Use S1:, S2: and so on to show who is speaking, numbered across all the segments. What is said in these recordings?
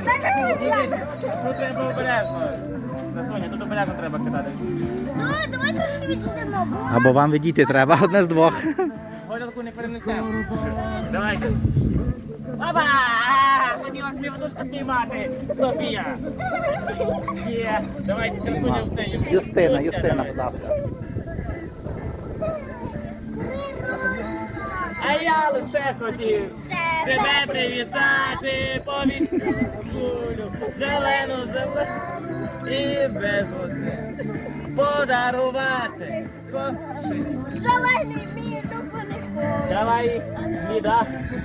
S1: Тут треба обережно. Соня, тут обережно треба кидати.
S2: Давай трошки відійдемо.
S3: Або вам відійти треба, одне з двох.
S1: Гойдалку не перенесемо. Давайте. Опа! Хотіла собі водушку спіймати. Софія. Є. Давайте, красуня в сцені.
S3: Юстина, будь ласка.
S1: А я лише хотів тебе привітати, повідкулю, зелену і без восьми подарувати кошик.
S2: Зелений мій дупаний.
S1: Давай, Ліда.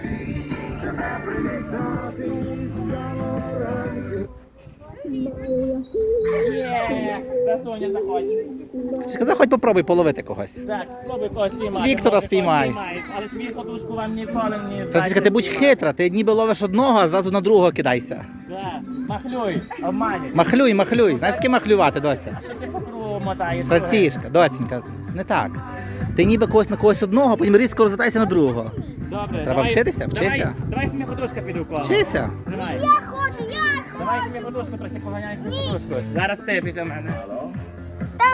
S1: Є, Соня, заходь.
S3: Сказав, хоч попробуй половити когось.
S1: Так, спробуй когось спіймати.
S3: Віктора
S1: Може,
S3: спіймай.
S1: когось спіймаєш, але смій подушку вам ніколи не...
S3: Франциска, ти будь хитра, ти ніби ловиш одного, а зразу на другого кидайся.
S1: Так, махлюй, обманюй.
S3: Махлюй. Знаєш, таке махлювати, доця?
S1: А що ти по кругу мотаєш?
S3: Францішка, доцінька, не так. Ти ніби когось на когось одного, потім різко розвертайся на другого.
S1: Добре,
S3: Треба вчитися, вчися.
S1: Давай смій подушка піду коло.
S3: Вчися.
S1: Тримай.
S2: Я хочу.
S1: Давай смій подушку, трохи поганяй смій подушку. Зараз ти після мене.
S2: Там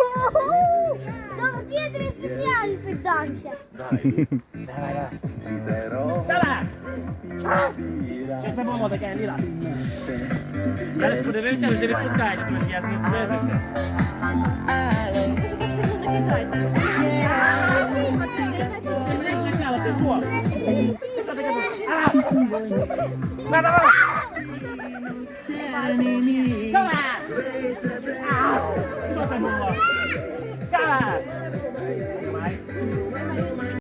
S2: до Петри спеціально піддамся.
S1: Давай. Що це було таке, Ліда? Зараз подивився, вже відпускають, друзі, я з ним зблизився. Пішли спочатку, ти що? Що таке було? Давай! Давай! Що це було? Давай!